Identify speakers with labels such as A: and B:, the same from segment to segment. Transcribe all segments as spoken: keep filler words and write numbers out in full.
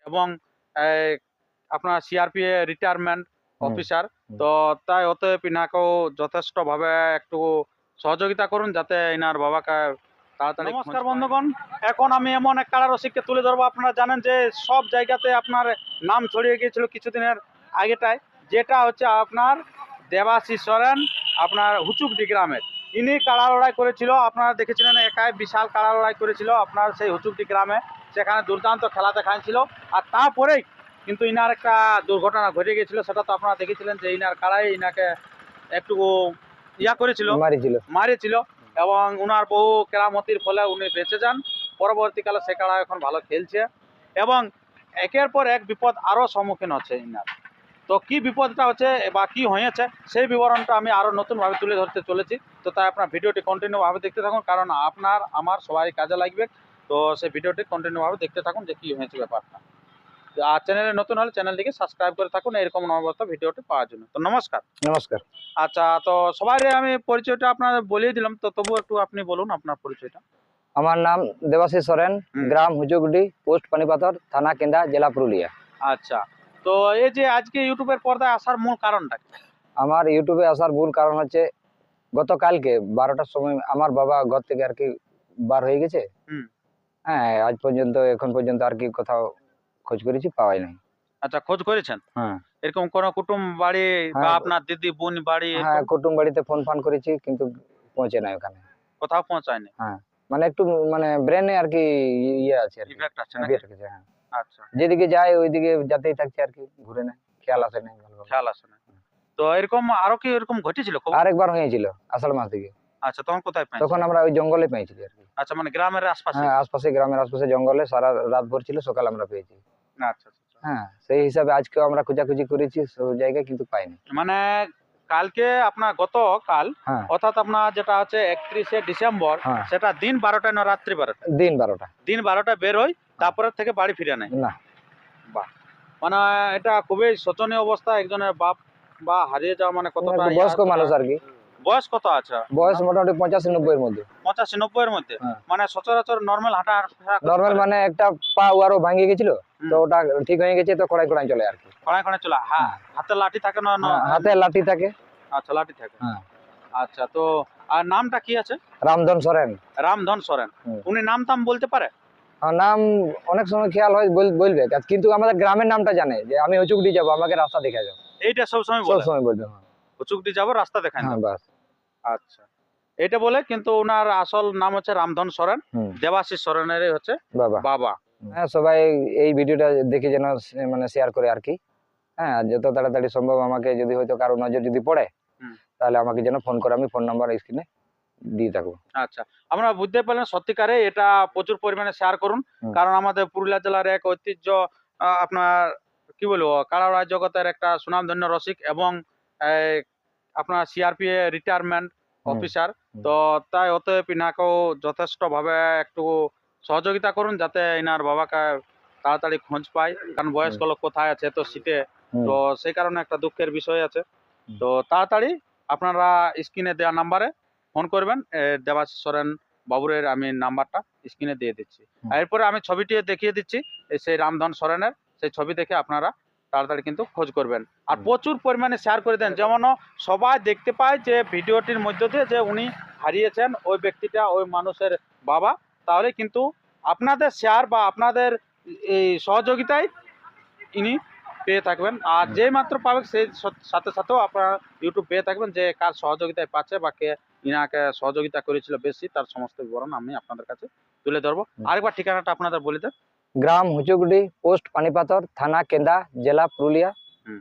A: এবং এই, আপনার সিআরপি রিটায়ারমেন্ট
B: হুম,
A: অফিসার।
B: হুম।
A: তো তাই অতএব ইনাকেও যথেষ্টভাবে একটু সহযোগিতা করুন যাতে ইনার বাবাকে তাড়াতাড়ি। নমস্কার বন্ধুগণ, এখন আমি এমন এক কারা রসিককে তুলে ধরবো। আপনারা জানেন যে সব জায়গাতে আপনার নাম ছড়িয়ে গিয়েছিল কিছুদিনের আগেটায়, যেটা হচ্ছে আপনার দেবাশিস সরেন, আপনার হুচুকডি গ্রামের। ইনি কাড়া লড়াই করেছিল, আপনারা দেখেছিলেন, একাই বিশাল কাড়া লড়াই করেছিল আপনার সেই হুচুকডি গ্রামে। সেখানে দুর্দান্ত খেলা দেখাচ্ছিল। আর তারপরেই কিন্তু ইনার একটা দুর্ঘটনা ঘটে গিয়েছিল, সেটা তো আপনারা দেখেছিলেন যে ইনার কাড়াই ইনাকে একটু ইয়া করেছিল,
B: মারিছিল।
A: মারিছিল এবং উনার বহু কেরামতির ফলে উনি বেঁচে যান। পরবর্তীকালে সে কাড়া এখন ভালো খেলছে এবং একের পর এক বিপদ আরও সম্মুখীন হচ্ছে ইনার। তো কি বিপদটা হচ্ছে বা কি হয়েছে সেই বিবরণটা আমি আরও নতুনভাবে তুলে ধরতে চলেছি। তো তাই আপনার ভিডিওটি কন্টিনিউভাবে দেখতে থাকুন, কারণ আপনার আমার সবারই কাজে লাগবে। তো সেই ভিডিওটি কন্টিনিউভাবে দেখতে থাকুন যে কী হয়েছে ব্যাপারটা। আর চ্যানেলে নতুন হলে চ্যানেলটিকে সাবস্ক্রাইব করে থাকুন এরকম নববর্ত ভিডিওটি পাওয়ার জন্য। তো নমস্কার।
B: নমস্কার।
A: আচ্ছা, তো সবাই আমি পরিচয়টা আপনার বলিয়ে দিলাম, তো তবু একটু আপনি বলুন আপনার পরিচয়টা।
B: আমার নাম দেবাশিস সরেন,
A: হুম।
B: গ্রাম হুচুকডি, পোস্ট পানিপাথর, থানা কেন্দা, জেলা পুরুলিয়া।
A: আচ্ছা, তো এই যে আজকে ইউটিউবের পর্দায় আসার মূল কারণটা কি?
B: আমার ইউটিউবে আসার মূল কারণ হচ্ছে গতকালকে বারোটার সময় আমার বাবা ঘর থেকে আর কি বার হয়ে গেছে।
A: হুম।
B: হ্যাঁ, আজ পর্যন্ত এখন পর্যন্ত আর কি কোথাও খোঁজ করেছি, পাওয়াই নাই।
A: আচ্ছা, খোঁজ করেছেন?
B: হ্যাঁ,
A: এরকম কোনো কুটুম বাড়ি বা
B: হ্যাঁ,
A: আপনার দিদি বোন বাড়ি
B: হ্যাঁ,
A: এরকম
B: কুটুম বাড়িতে ফোন ফান করেছি কিন্তু পৌঁছে নাই ওখানে।
A: কোথাও পৌঁছায়নি?
B: হ্যাঁ, মানে একটু মানে ব্রেনে আর কি ইয়ে আছে আর কি,
A: ইফেক্ট আছে নাকি?
B: ইফেক্ট আছে। হ্যাঁ,
A: আচ্ছা,
B: যেদিকে যায় ওইদিকে যেতেই থাকছে আর কি, ঘুরে নেয়, খেয়াল আসে নাই ভালোভাবে।
A: খেয়াল আসে না। তো এরকম আরো কি এরকম ঘটেছিল খবর?
B: আরেকবার হয়েছিল আষাঢ় মাস দিকে।
A: আচ্ছা, তখন কোথায়
B: তখন
A: পেয়েছেন?
B: আমরা ওই জঙ্গলে পেয়েছি আর কি।
A: আচ্ছা, মানে গ্রামের আশপাশে?
B: হ্যাঁ, আশপাশে, গ্রামের আশপাশে জঙ্গলে সারা রাত ভর ছিল, সকালে আমরা পেয়েছি।
A: আচ্ছা, আচ্ছা, আচ্ছা।
B: হ্যাঁ, সেই হিসাবে আজকেও আমরা খোঁজাখুঁজি করেছি সব জায়গায় কিন্তু পাইনি।
A: মানে কালকে আপনার গতকাল,
B: হ্যাঁ,
A: অর্থাৎ আপনার যেটা হচ্ছে একত্রিশে ডিসেম্বর,
B: হ্যাঁ,
A: সেটা দিন বারোটায় না রাত্রি বারোটায়?
B: দিন বারোটা।
A: দিন বারোটায় বের হই, তারপরে থেকে বাড়ি ফিরে নেয়?
B: না,
A: বাহ! মানে এটা খুবই শোচনীয় অবস্থা। একজনের বাপ বা হারিয়ে যাওয়া মানে কতটা
B: একটু
A: ইয়া
B: বয়স্ক
A: করা।
B: মানুষ আর কি।
A: বয়স কত আছে?
B: বয়স মোটামুটি পঁচাশি নব্বই এর মধ্যে।
A: পঁচাশি নব্বই এর মধ্যে?
B: হ্যাঁ।
A: মানে সচরাচর নর্মাল হাঁটা ফেরা করতে
B: নর্মাল
A: পারে?
B: মানে একটা পা আরো ভাঙিয়ে গেছিল,
A: হুম।
B: তো ওটা ঠিক হয়ে গেছে, তো কড়াই কড়াই চলে আর কি।
A: খড়ায় খড়ায় চলে? হ্যাঁ, হাতে লাঠি থাকে না?
B: হ্যাঁ,
A: ন-
B: হাতে লাঠি থাকে।
A: আচ্ছা, লাঠি থাকে।
B: হ্যাঁ,
A: আচ্ছা, তো আর নামটা কি আছে?
B: রামধন সরেন।
A: রামধন সরেন।
B: হুম।
A: উনি নাম টাম বলতে পারে?
B: আর নাম অনেক সময় খেয়াল হয়, বল- বলবে, কিন্তু আমাদের গ্রামের নামটা জানে যে আমি হুচুকডি যাবো, আমাকে রাস্তা দেখা যাও,
A: এইটা সবসময়
B: সব
A: বলে?
B: সময় বলবে। হ্যাঁ,
A: হুচুকডি যাবো, রাস্তা দেখান
B: হ্যাঁ,
A: দাও।
B: বাস।
A: আচ্ছা, এটা বলে, কিন্তু ওনার আসল নাম হচ্ছে রামধন সরেন।
B: হুম,
A: দেবাশিস সরেনেরই হচ্ছে
B: বাবা।
A: বাবা।
B: হ্যাঁ, সবাই এই ভিডিওটা দেখে যেন সে- মানে শেয়ার করে আর কি। হ্যাঁ, আর যত তাড়াতাড়ি সম্ভব আমাকে যদি হয়তো কারো নজর যদি পড়ে,
A: হুম।
B: তাহলে আমাকে যেন ফোন করে, আমি ফোন নাম্বার স্ক্রিনে দিয়ে থাকবো।
A: আচ্ছা, আমরা বুঝতে পারলেন সত্যিকারে এটা প্রচুর পরিমাণে শেয়ার করুন।
B: হুম।
A: কারণ আমাদের পুরুলিয়া জেলার এক ঐতিহ্য, আহ, আপনার কি বলবো, কারাড়া জগতের একটা সুনামধন্য রসিক এবং এই, আপনার সিআরপি রিটায়ারমেন্ট
B: হুম।
A: অফিসার।
B: হুম।
A: তো তাই অতএব ইনাকেও যথেষ্টভাবে একটু সহযোগিতা করুন যাতে ইনার বাবাকে তাড়াতাড়ি খোঁজ পায়, কারণ বয়স্ক লোক কোথায় আছে তো শীতে।
B: হুম।
A: তো সেই কারণে একটা দুঃখের বিষয় আছে।
B: হুম।
A: তো তাড়াতাড়ি আপনারা স্ক্রিনে দেওয়া নাম্বারে ফোন করবেন। এ, দেবাশিস সরেন বাবুরের আমি নাম্বারটা স্ক্রিনে দিয়ে দিচ্ছি।
B: হুম।
A: আর এরপরে আমি ছবিটি দেখিয়ে দিচ্ছি, এই সেই রামধন সরেনের সেই ছবি দেখে আপনারা তাড়াতাড়ি কিন্তু খোঁজ করবেন। আর
B: হুম।
A: প্রচুর পরিমাণে শেয়ার করে দেন, যেমন সবাই দেখতে পায় যে ভিডিওটির মধ্য দিয়ে যে উনি হারিয়েছেন ওই ব্যক্তিটা, ওই মানুষের বাবা। তাহলে কিন্তু আপনাদের শেয়ার বা আপনাদের এই সহযোগিতায় ইনি পেয়ে থাকবেন। আর
B: হুম।
A: যেই মাত্র পাবে সেই স- সাথে সাথেও আপনারা ইউটিউব পেয়ে থাকবেন যে কার সহযোগিতায় পাচ্ছে বা কে ইনাকে সহযোগিতা করেছিল বেশি, তার সমস্ত বিবরণ আমি আপনাদের কাছে তুলে ধরবো।
B: হুম।
A: আরেকবার ঠিকানাটা আপনাদের বলে দেন।
B: গ্রাম হুচুকডি, পোস্ট পানিপাথর, থানা কেন্দা, জেলা পুরুলিয়া।
A: হুম,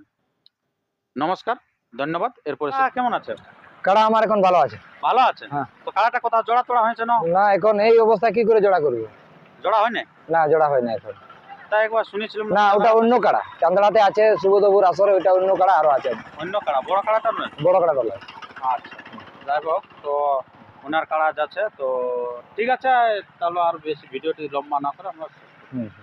A: নমস্কার, ধন্যবাদ। এরপরে আহ, কেমন আছে?
B: কাড়া আমার এখন ভালো আছে।
A: ভালো আছে?
B: হ্যাঁ।
A: তো কারাটা কোথাও জোড়া তোড়া হয়েছে না?
B: না, এখন এই অবস্থায় কি করে জোড়া করবো?
A: জোড়া হয় না?
B: না, জোড়া হয় না এখন।
A: তাই একবার শুনেছিলাম
B: না, ওটা অন্য কাড়া, চান্দড়াতে আছে সুবোধবুর আসরে, ওইটা অন্য কাড়া, আরো আছে
A: অন্য কাড়া, বড় কাড়াটা নয়?
B: বড় কাড়া বলা।
A: আচ্ছা, যাই হোক, তো ওনার কাড়া যাচ্ছে। তো ঠিক আছে, তাহলে আর বেশি ভিডিওটি লম্বা না করে আমরা
B: হুম।